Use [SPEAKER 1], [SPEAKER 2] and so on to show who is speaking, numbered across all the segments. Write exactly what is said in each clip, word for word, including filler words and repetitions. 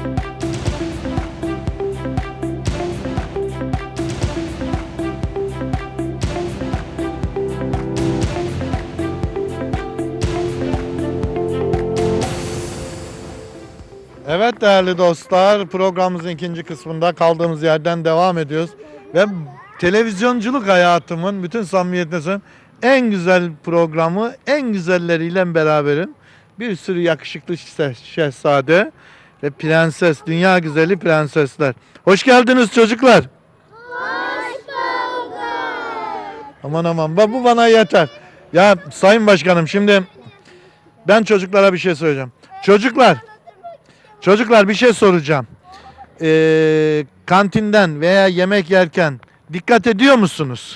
[SPEAKER 1] Evet değerli dostlar, programımızın ikinci kısmında kaldığımız yerden devam ediyoruz. Ve televizyonculuk hayatımın bütün samimiyetine söylüyorum, en güzel programı, en güzelleriyle beraberim. Bir sürü yakışıklı şeh- şehzade ve prenses, dünya güzeli prensesler. Hoş geldiniz çocuklar.
[SPEAKER 2] Hoş bulduk.
[SPEAKER 1] Aman aman, ba- bu bana yeter. Ya Sayın Başkanım, şimdi ben çocuklara bir şey söyleyeceğim. Çocuklar, çocuklar bir şey soracağım. Ee, kantinden veya yemek yerken dikkat ediyor musunuz?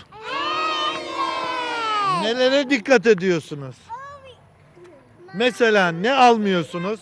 [SPEAKER 1] Nelere dikkat ediyorsunuz? Mesela ne almıyorsunuz?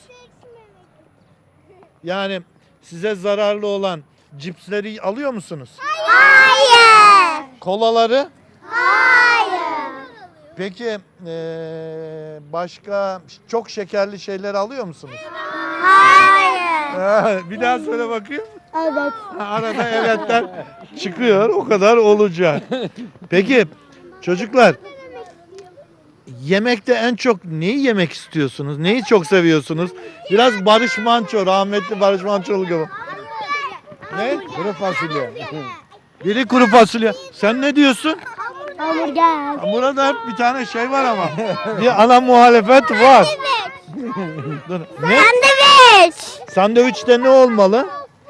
[SPEAKER 1] Yani size zararlı olan cipsleri alıyor musunuz?
[SPEAKER 2] Hayır.
[SPEAKER 1] Kolaları?
[SPEAKER 2] Hayır.
[SPEAKER 1] Peki ee, başka çok şekerli şeyler alıyor musunuz?
[SPEAKER 2] Hayır.
[SPEAKER 1] Ha, bir daha söyle bakayım.
[SPEAKER 2] Evet.
[SPEAKER 1] Ha, arada evetler çıkıyor, o kadar olacak. Peki çocuklar, yemekte en çok neyi yemek istiyorsunuz? Neyi çok seviyorsunuz? Biraz Barış Manço, rahmetli Barış Manço'lu gibi. Ne?
[SPEAKER 3] Kuru fasulye.
[SPEAKER 1] Biri kuru fasulye. Sen ne diyorsun?
[SPEAKER 2] Hamburger.
[SPEAKER 1] Burada hep bir tane şey var ama. Bir ana muhalefet var. Dur. Ne?
[SPEAKER 2] Sandviç.
[SPEAKER 1] Sandviçte ne olmalı?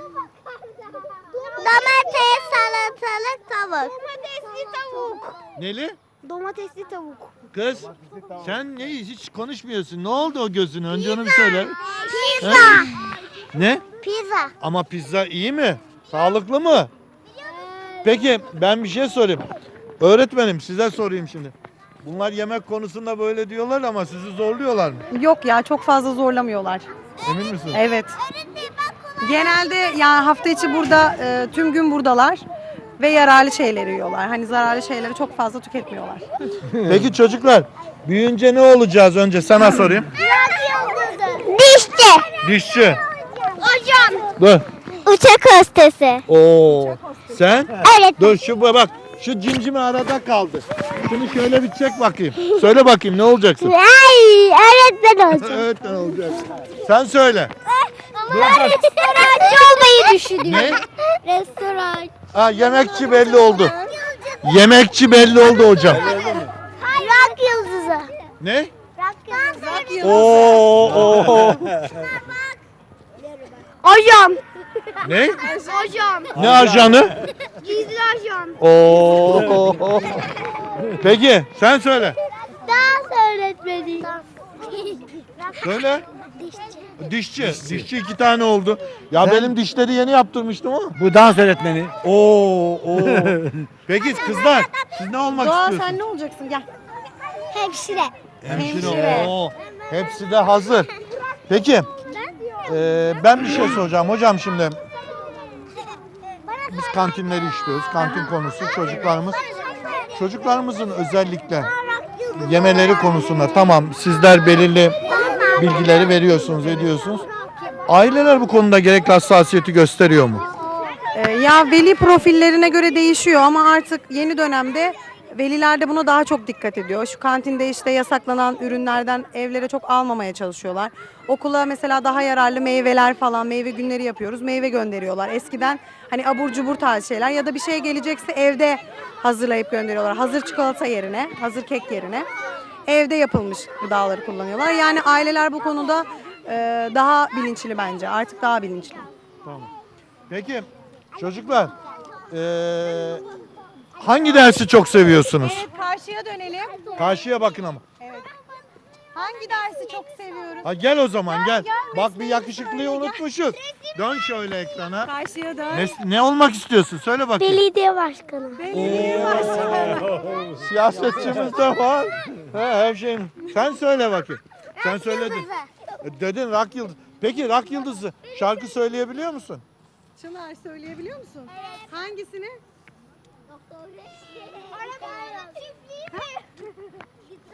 [SPEAKER 2] Domates, salatalık, tavuk. Domatesli tavuk.
[SPEAKER 1] Neli?
[SPEAKER 2] Domatesli tavuk.
[SPEAKER 1] Kız sen ne hiç konuşmuyorsun. Ne oldu o gözüne? Önce onu bir söyle.
[SPEAKER 2] Pizza.
[SPEAKER 1] Ne?
[SPEAKER 2] Pizza.
[SPEAKER 1] Ama pizza iyi mi? Sağlıklı mı? Peki ben bir şey sorayım. Öğretmenim size sorayım şimdi. Bunlar yemek konusunda böyle diyorlar ama sizi zorluyorlar mı?
[SPEAKER 4] Yok ya, çok fazla zorlamıyorlar.
[SPEAKER 1] Emin misiniz?
[SPEAKER 4] Evet. Genelde ya hafta içi burada e, tüm gün buradalar ve yararlı şeyleri yiyorlar. Hani zararlı şeyleri çok fazla tüketmiyorlar.
[SPEAKER 1] Peki çocuklar büyüyünce ne olacağız önce sana sorayım.
[SPEAKER 2] Dişçi.
[SPEAKER 1] Dişçi.
[SPEAKER 2] Hocam.
[SPEAKER 1] Dur.
[SPEAKER 2] Uçak hostesi.
[SPEAKER 1] Oo. Sen?
[SPEAKER 2] Evet.
[SPEAKER 1] Dur şu bak. Şu cimcime arada kaldı. Şunu şöyle bir çek bakayım. Söyle bakayım ne olacaksın?
[SPEAKER 2] Ay, öğretmen olacağım.
[SPEAKER 1] Evet ne olacak? Sen söyle.
[SPEAKER 2] Restorançı olmayı düşünüyorum.
[SPEAKER 1] Ne?
[SPEAKER 2] Restoran.
[SPEAKER 1] Ha yemekçi belli oldu. Yemekçi belli oldu hocam.
[SPEAKER 2] Rock yıldızı.
[SPEAKER 1] Ne?
[SPEAKER 2] Rock yıldızı.
[SPEAKER 1] Oo, oo.
[SPEAKER 2] Hocam.
[SPEAKER 1] Ne?
[SPEAKER 2] Hocam.
[SPEAKER 1] Ne ajanı?
[SPEAKER 2] Gizli ajan.
[SPEAKER 1] Oo. Peki sen söyle.
[SPEAKER 2] Dans öğretmeni.
[SPEAKER 1] Söyle. Dişçi. Dişçi iki tane oldu. Ya benim dişleri yeni yaptırmıştım ama.
[SPEAKER 3] Bu dans öğretmeni.
[SPEAKER 1] Oo, oo. Peki kızlar siz ne olmak
[SPEAKER 4] Doğa
[SPEAKER 1] istiyorsunuz?
[SPEAKER 4] sen ne olacaksın? Gel.
[SPEAKER 2] Hemşire.
[SPEAKER 4] Hemşire.
[SPEAKER 1] Oo, hepsi de hazır. Peki e, ben bir şey soracağım hocam şimdi. Biz kantinleri işliyoruz. Kantin konusu çocuklarımız. Çocuklarımızın özellikle yemeleri konusunda tamam sizler belirli bilgileri veriyorsunuz, ediyorsunuz. Aileler bu konuda gerekli hassasiyeti gösteriyor mu?
[SPEAKER 4] Ee, ya veli profillerine göre değişiyor ama artık yeni dönemde veliler de buna daha çok dikkat ediyor. Şu kantinde işte yasaklanan ürünlerden evlere çok almamaya çalışıyorlar. Okula mesela daha yararlı meyveler falan, meyve günleri yapıyoruz. Meyve gönderiyorlar. Eskiden hani abur cubur tarzı şeyler ya da bir şey gelecekse evde hazırlayıp gönderiyorlar. Hazır çikolata yerine, hazır kek yerine evde yapılmış gıdaları kullanıyorlar. Yani aileler bu konuda e, daha bilinçli bence. Artık daha bilinçli.
[SPEAKER 1] Tamam. Peki çocuklar e, hangi dersi çok seviyorsunuz?
[SPEAKER 4] karşıya dönelim.
[SPEAKER 1] Karşıya bakın ama.
[SPEAKER 4] Hangi dersi çok seviyoruz?
[SPEAKER 1] Ha gel o zaman gel. Bak bir yakışıklıyı unutmuşuz. Dön şöyle ekrana.
[SPEAKER 4] Karşıya dön.
[SPEAKER 1] Ne, ne olmak istiyorsun? Söyle bakayım.
[SPEAKER 2] Belediye başkanı.
[SPEAKER 1] Oo, siyasetçimiz de var. He, her şey. Sen söyle bakayım. Sen söyledin. E, Dedin rock yıldızı. Peki rock yıldızı şarkı söyleyebiliyor musun?
[SPEAKER 4] Çınar söyleyebiliyor musun? Hangisini?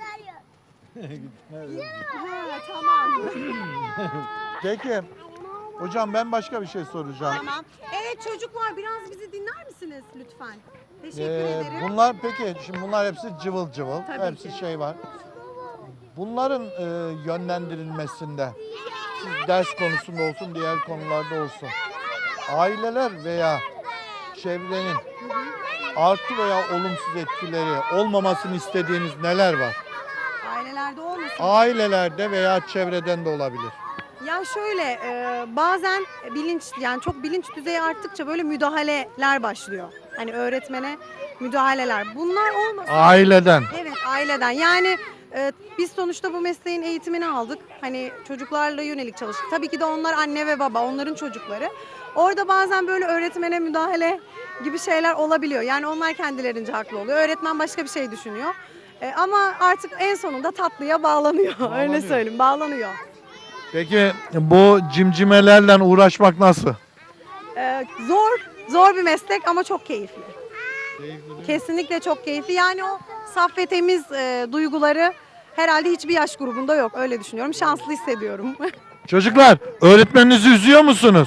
[SPEAKER 4] Ha, tamam.
[SPEAKER 1] Peki Hocam ben başka bir şey soracağım.
[SPEAKER 4] Tamam. Evet çocuklar biraz bizi dinler misiniz lütfen? Teşekkür
[SPEAKER 1] Ee,
[SPEAKER 4] ederim.
[SPEAKER 1] bunlar peki şimdi bunlar hepsi cıvıl cıvıl.
[SPEAKER 4] Tabii
[SPEAKER 1] hepsi
[SPEAKER 4] ki.
[SPEAKER 1] şey var. Bunların e, yönlendirilmesinde siz ders konusunda olsun diğer konularda olsun. Aileler veya çevrenin artı veya olumsuz etkileri olmamasını istediğiniz neler var?
[SPEAKER 4] Ailelerde olmasın.
[SPEAKER 1] Ailelerde veya çevreden de olabilir.
[SPEAKER 4] Ya şöyle e, bazen bilinç yani çok bilinç düzeyi arttıkça böyle müdahaleler başlıyor. Hani öğretmene müdahaleler. Bunlar olmasın.
[SPEAKER 1] Aileden.
[SPEAKER 4] Evet aileden yani e, biz sonuçta bu mesleğin eğitimini aldık. Hani çocuklarla yönelik çalıştık. Tabii ki de onlar anne ve baba onların çocukları. Orada bazen böyle öğretmene müdahale gibi şeyler olabiliyor. Yani onlar kendilerince haklı oluyor. Öğretmen başka bir şey düşünüyor. E, ama artık en sonunda tatlıya bağlanıyor. Öyle
[SPEAKER 1] Bağlanıyor.
[SPEAKER 4] söyleyeyim bağlanıyor.
[SPEAKER 1] Peki bu cimcimelerle uğraşmak nasıl?
[SPEAKER 4] E, zor, zor bir meslek ama çok keyifli. Kesinlikle çok keyifli. Yani o saf ve temiz e, duyguları herhalde hiçbir yaş grubunda yok. Öyle düşünüyorum. Şanslı hissediyorum.
[SPEAKER 1] Çocuklar öğretmeninizi üzüyor musunuz?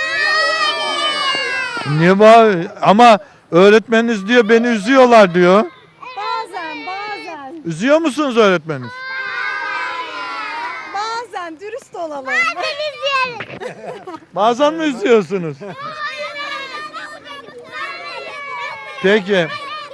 [SPEAKER 1] Niye bağır? Ama öğretmeniniz diyor beni üzüyorlar diyor.
[SPEAKER 4] Bazen, bazen.
[SPEAKER 1] Üzüyor musunuz öğretmeniniz?
[SPEAKER 4] Bazen dürüst olalım.
[SPEAKER 1] Bazen mi üzüyorsunuz? Peki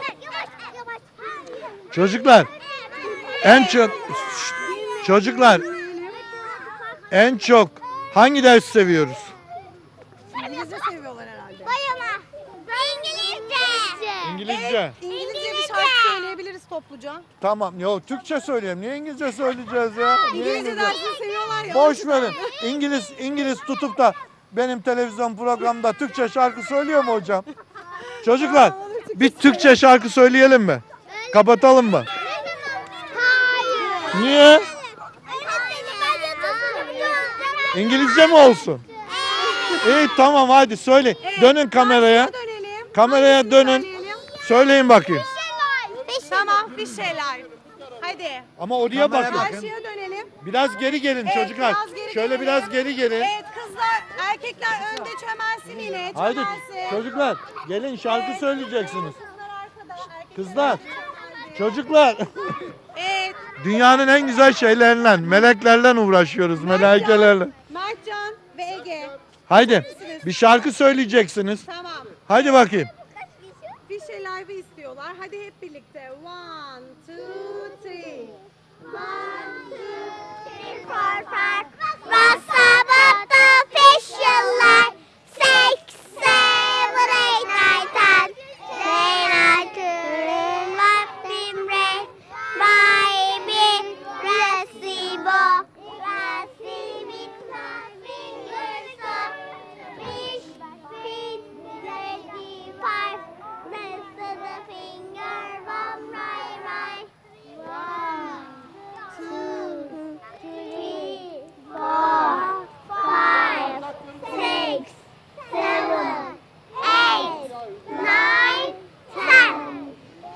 [SPEAKER 1] çocuklar en çok Şşt! çocuklar en çok hangi ders seviyoruz?
[SPEAKER 4] İngilizce seviyorlar herhalde.
[SPEAKER 2] Bayama. İngilizce.
[SPEAKER 1] İngilizce.
[SPEAKER 4] İngilizce bir şarkı söyleyebiliriz topluca.
[SPEAKER 1] Tamam. Yo Türkçe söyleyeyim. Niye İngilizce söyleyeceğiz ya? Niye
[SPEAKER 4] İngilizce
[SPEAKER 1] İngilizce?
[SPEAKER 4] dersini seviyorlar ya.
[SPEAKER 1] Boş verin. İngiliz İngiliz tutup da benim televizyon programda Türkçe şarkı söylüyor mu hocam? Çocuklar bir Türkçe şarkı söyleyelim mi? Kapatalım mı?
[SPEAKER 2] Hayır.
[SPEAKER 1] Niye? İngilizce mi olsun? İyi tamam hadi söyle.
[SPEAKER 4] Evet,
[SPEAKER 1] Dönün kameraya.
[SPEAKER 4] karşıya dönelim.
[SPEAKER 1] Kameraya
[SPEAKER 4] Hangisini
[SPEAKER 1] dönün.
[SPEAKER 4] söyleyelim?
[SPEAKER 1] Söyleyin bakayım.
[SPEAKER 4] Tamam bir şeyler. Hadi.
[SPEAKER 1] Ama oraya bakın.
[SPEAKER 4] Karşıya dönelim.
[SPEAKER 1] Biraz geri gelin
[SPEAKER 4] Evet,
[SPEAKER 1] çocuklar.
[SPEAKER 4] biraz geri
[SPEAKER 1] Şöyle
[SPEAKER 4] gelelim.
[SPEAKER 1] biraz geri gelin.
[SPEAKER 4] Evet kızlar, erkekler önde çömelsin yine.
[SPEAKER 1] Haydi
[SPEAKER 4] Çömelsin.
[SPEAKER 1] çocuklar gelin şarkı
[SPEAKER 4] Evet.
[SPEAKER 1] söyleyeceksiniz.
[SPEAKER 4] Kızlar arkada, erkekler
[SPEAKER 1] Kızlar,
[SPEAKER 4] önde.
[SPEAKER 1] çocuklar.
[SPEAKER 4] Evet.
[SPEAKER 1] Dünyanın en güzel şeylerinden, meleklerle uğraşıyoruz, melaikelerle.
[SPEAKER 4] Mertcan ve Ege.
[SPEAKER 1] Haydi bir şarkı söyleyeceksiniz.
[SPEAKER 4] Tamam.
[SPEAKER 1] Haydi bakayım.
[SPEAKER 4] Bir şey live istiyorlar. Hadi hep birlikte. One, two, three.
[SPEAKER 2] One, two, three, four, five. What's about the official Six, seven, eight, nine, ten. Then I couldn't left him red. Baby, Recibo. Recibo, my fingers up. Fish, feet, ready, five. Rest of the finger from right, right. One, two, three, four, five, six, seven, eight, nine, ten.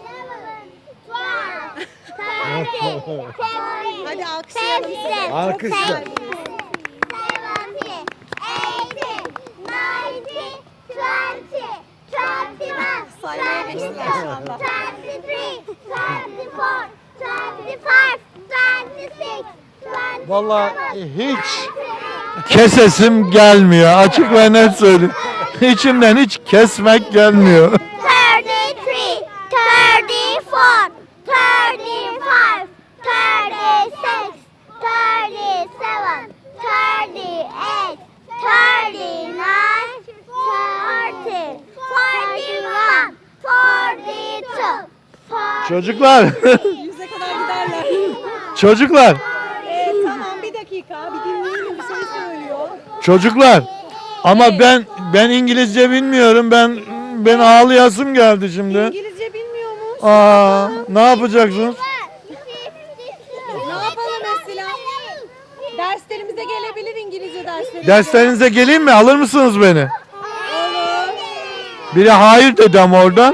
[SPEAKER 2] Twelve, thirteen, fourteen,
[SPEAKER 4] Hadi alkışlayalım.
[SPEAKER 2] fifteen,
[SPEAKER 1] Alkışla.
[SPEAKER 2] sixteen, seventeen, eighteen, nineteen, twenty, twenty-one,
[SPEAKER 4] Saymaya geçtiler şu anda.
[SPEAKER 2] twenty-three, twenty-four, twenty-five, twenty-six, twenty-seven,
[SPEAKER 1] Vallahi hiç kesesim gelmiyor. Açık ve net söyleyeyim. İçimden hiç kesmek gelmiyor.
[SPEAKER 2] thirty-three, thirty-four, thirty-five, thirty-six, thirty-seven, thirty-eight, thirty-nine, forty, forty-one, forty-two, forty.
[SPEAKER 1] Çocuklar,
[SPEAKER 4] Yüze kadar giderler.
[SPEAKER 1] çocuklar,
[SPEAKER 4] Evet tamam bir dakika. Bir dinleyelim bir şey söylüyor.
[SPEAKER 1] çocuklar. Ama ben ben İngilizce bilmiyorum. Ben ben ağlayasım geldi şimdi.
[SPEAKER 4] İngilizce bilmiyormuş.
[SPEAKER 1] Aa, ne yapacaksınız?
[SPEAKER 4] Ne yapalım mesela? Derslerimize gelebilir İngilizce derslerimize.
[SPEAKER 1] Derslerinize geleyim mi? Alır mısınız beni?
[SPEAKER 4] Olur.
[SPEAKER 1] Biri hayır dedi ama oradan.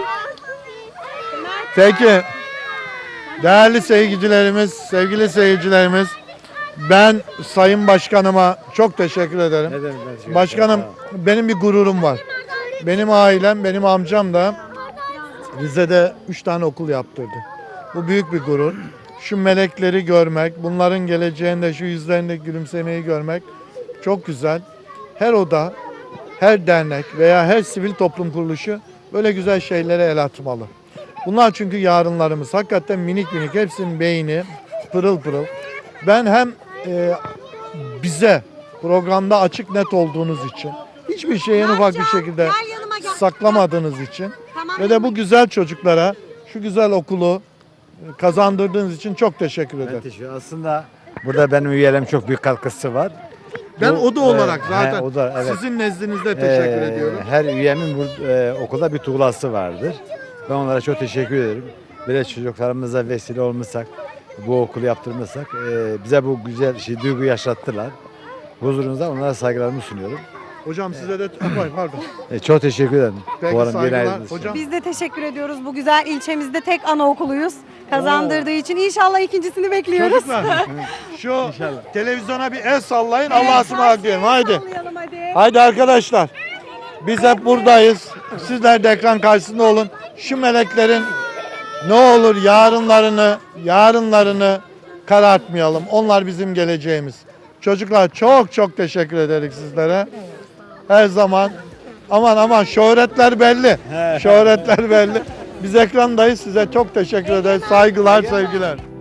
[SPEAKER 1] Peki. Değerli seyircilerimiz, sevgili seyircilerimiz. Ben Sayın Başkanıma çok teşekkür ederim.
[SPEAKER 3] Ne demek ben teşekkür
[SPEAKER 1] Başkanım
[SPEAKER 3] ederim.
[SPEAKER 1] benim bir gururum var. Benim ailem, benim amcam da Rize'de üç tane okul yaptırdı. Bu büyük bir gurur. Şu melekleri görmek, bunların geleceğinde şu yüzlerindeki gülümsemeyi görmek çok güzel. Her oda, her dernek veya her sivil toplum kuruluşu böyle güzel şeylere el atmalı. Bunlar çünkü yarınlarımız. Hakikaten minik minik, hepsinin beyni pırıl pırıl. Ben hem e, bize programda açık net olduğunuz için, hiçbir şeyi en ufak bir şekilde saklamadığınız için ve de bu güzel çocuklara şu güzel okulu kazandırdığınız için çok teşekkür
[SPEAKER 3] Ben
[SPEAKER 1] ederim.
[SPEAKER 3] teşekkür Aslında burada benim üyelerim çok büyük katkısı var.
[SPEAKER 1] Ben
[SPEAKER 3] Bu,
[SPEAKER 1] oda olarak
[SPEAKER 3] e,
[SPEAKER 1] zaten
[SPEAKER 3] he, oda, evet.
[SPEAKER 1] sizin nezdinizde teşekkür
[SPEAKER 3] Ee,
[SPEAKER 1] ediyorum.
[SPEAKER 3] Her üyemin bu, e, okulda bir tuğlası vardır. Ben onlara çok teşekkür ederim. Böyle çocuklarımıza vesile olmuşsak, bu okulu yaptırmışsak e, bize bu güzel şey, duygu yaşattılar. Huzurunuzda onlara saygılarımı sunuyorum.
[SPEAKER 1] Hocam size de Ay, pardon.
[SPEAKER 3] E, çok teşekkür ederim.
[SPEAKER 1] Peki,
[SPEAKER 3] Bu arada
[SPEAKER 1] saygılar.
[SPEAKER 3] yine ayrıldınız.
[SPEAKER 1] Hocam-
[SPEAKER 4] Biz de teşekkür ediyoruz. Bu güzel ilçemizde tek anaokuluyuz. Kazandırdığı için inşallah ikincisini bekliyoruz.
[SPEAKER 1] Çocuklar şu televizyona bir el sallayın, Allah'a ısmarladık diyelim. Haydi.
[SPEAKER 4] Sallayalım hadi.
[SPEAKER 1] Haydi arkadaşlar. Biz hep buradayız. Sizler de ekran karşısında olun. Şu meleklerin ne olur yarınlarını, yarınlarını karartmayalım. Onlar bizim geleceğimiz. Çocuklar çok çok teşekkür ederiz sizlere. Her zaman aman aman şöhretler belli. Şöhretler belli. Biz ekrandayız. Size çok teşekkür ederiz. Saygılar, sevgiler.